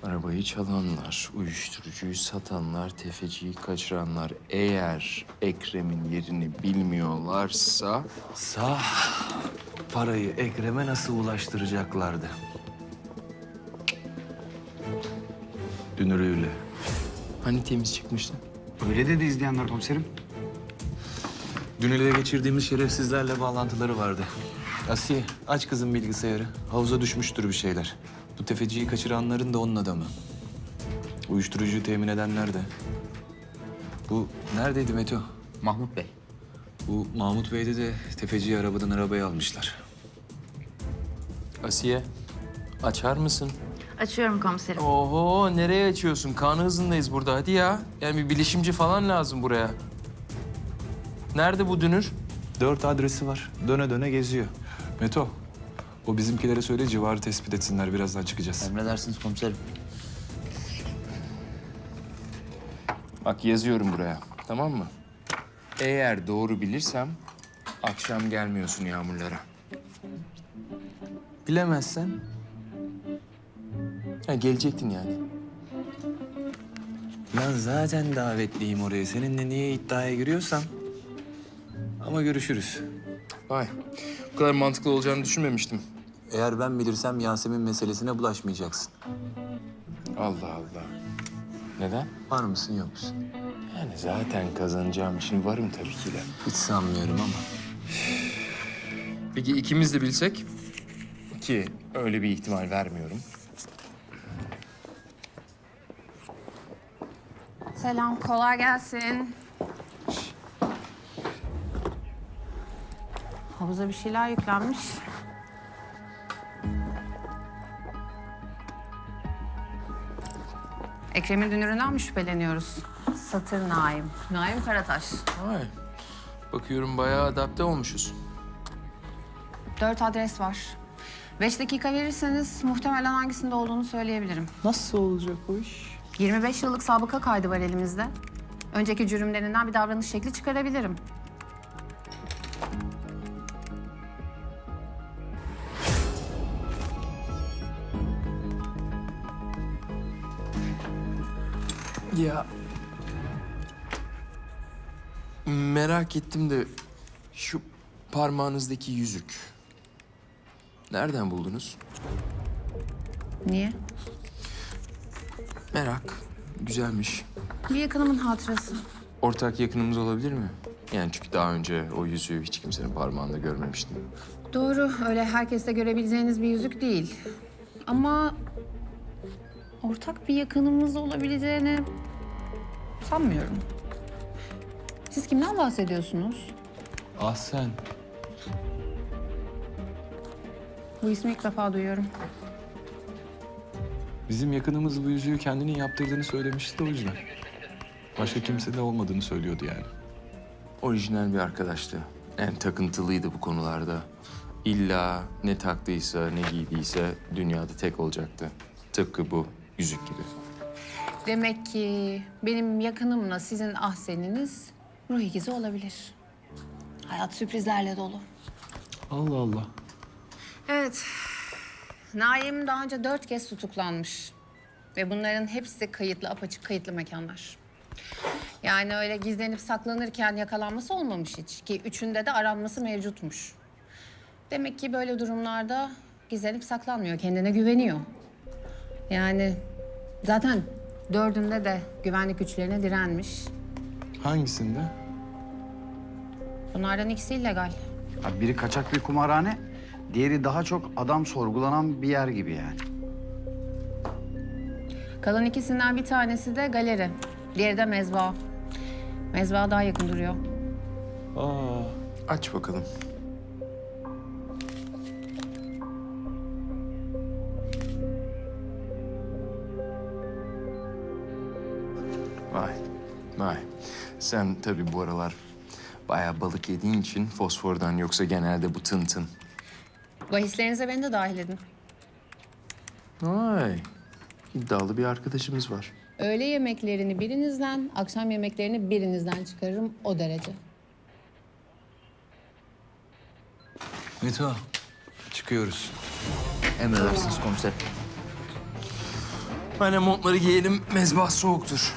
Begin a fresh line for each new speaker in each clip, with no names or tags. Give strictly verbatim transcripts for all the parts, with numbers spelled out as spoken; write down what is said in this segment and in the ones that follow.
Arabayı çalanlar, uyuşturucuyu satanlar, tefeciyi kaçıranlar eğer Ekrem'in yerini bilmiyorlarsa...
Sağ parayı Ekrem'e nasıl ulaştıracaklardı? Dünürüyle.
Hani temiz çıkmıştı?
Öyle dedi izleyenler komiserim.
Dün ele geçirdiğimiz şerefsizlerle bağlantıları vardı. Asiye, aç kızın bilgisayarı. Havuza düşmüştür bir şeyler. Bu tefeciyi kaçıranların da onun adamı. Uyuşturucuyu temin edenler de. Bu neredeydi Meto?
Mahmut Bey.
Bu Mahmut Bey'de de tefeciyi arabadan arabaya almışlar.
Asiye, açar mısın?
Açıyorum komiserim.
Oho, nereye açıyorsun? Kanı hızındayız burada, hadi ya. Yani bir bilişimci falan lazım buraya. Nerede bu dünür?
Dört adresi var. Döne döne geziyor. Meto, o bizimkilere söyle civarı tespit etsinler. Birazdan çıkacağız.
Emredersiniz komiserim.
Bak yazıyorum buraya, tamam mı? Eğer doğru bilirsem akşam gelmiyorsun Yağmurlara. Bilemezsen... Ha, gelecektin yani.
Ben zaten davetliyim oraya. Seninle niye iddiaya giriyorsam. Ama görüşürüz.
Vay, bu kadar mantıklı olacağını düşünmemiştim.
Eğer ben bilirsem Yasemin meselesine bulaşmayacaksın.
Allah Allah. Neden?
Var mısın yok musun?
Yani zaten kazanacağım için varım tabii ki de.
Hiç sanmıyorum ama.
Peki ikimiz de bilsek? Ki öyle bir ihtimal vermiyorum.
Selam, kolay gelsin. Havuza bir şeyler yüklenmiş. Ekrem'in dünüründen mi şüpheleniyoruz? Satır Naim. Naim Karataş.
Vay. Bakıyorum bayağı adapte olmuşuz.
Dört adres var. Beş dakika verirseniz muhtemelen hangisinde olduğunu söyleyebilirim.
Nasıl olacak bu iş?
yirmi beş yıllık sabıka kaydı var elimizde. Önceki cürümlerinden bir davranış şekli çıkarabilirim.
Ya... Merak ettim de şu parmağınızdaki yüzük. Nereden buldunuz?
Niye?
Merak. Güzelmiş.
Bir yakınımın hatırası.
Ortak yakınımız olabilir mi? Yani çünkü daha önce o yüzüğü hiç kimsenin parmağında görmemiştim.
Doğru, öyle herkeste görebileceğiniz bir yüzük değil. Ama ortak bir yakınımız olabileceğini sanmıyorum. Siz kimden bahsediyorsunuz?
Ah sen.
Bu ismi ilk defa duyuyorum.
Bizim yakınımız bu yüzüğü kendinin yaptırdığını söylemişti de o yüzden. Başka kimse de olmadığını söylüyordu yani.
Orijinal bir arkadaştı. Yani takıntılıydı bu konularda. İlla ne taktıysa, ne giydiyse dünyada tek olacaktı. Tıpkı bu yüzük gibi.
Demek ki benim yakınımla sizin ahseniniz ruh ikizi olabilir. Hayat sürprizlerle dolu.
Allah Allah.
Evet. Naim daha önce dört kez tutuklanmış. Ve bunların hepsi kayıtlı, apaçık kayıtlı mekanlar. Yani öyle gizlenip saklanırken yakalanması olmamış hiç. Ki üçünde de aranması mevcutmuş. Demek ki böyle durumlarda gizlenip saklanmıyor, kendine güveniyor. Yani zaten dördünde de güvenlik güçlerine direnmiş.
Hangisinde?
Bunlardan ikisi illegal.
Abi biri kaçak bir kumarhane, diğeri daha çok adam sorgulanan bir yer gibi yani.
Kalan ikisinden bir tanesi de galeri. Diğeri de mezba. Mezba daha yakın duruyor.
Aa,
Aç bakalım. Vay, vay. Sen tabii bu aralar bayağı balık yediğin için fosfordan, yoksa genelde bu tın tın.
Bahislerinize beni de dahil edin.
Vay, iddialı bir arkadaşımız var.
Öğle yemeklerini birinizden, akşam yemeklerini birinizden çıkarırım o derece.
Meto, çıkıyoruz.
Emredersiniz komiserim.
Hani montları giyelim, mezbah soğuktur.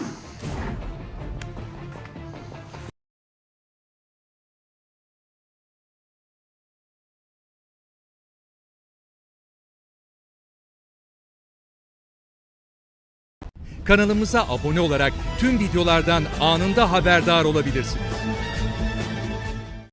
Kanalımıza abone olarak tüm videolardan anında haberdar olabilirsiniz.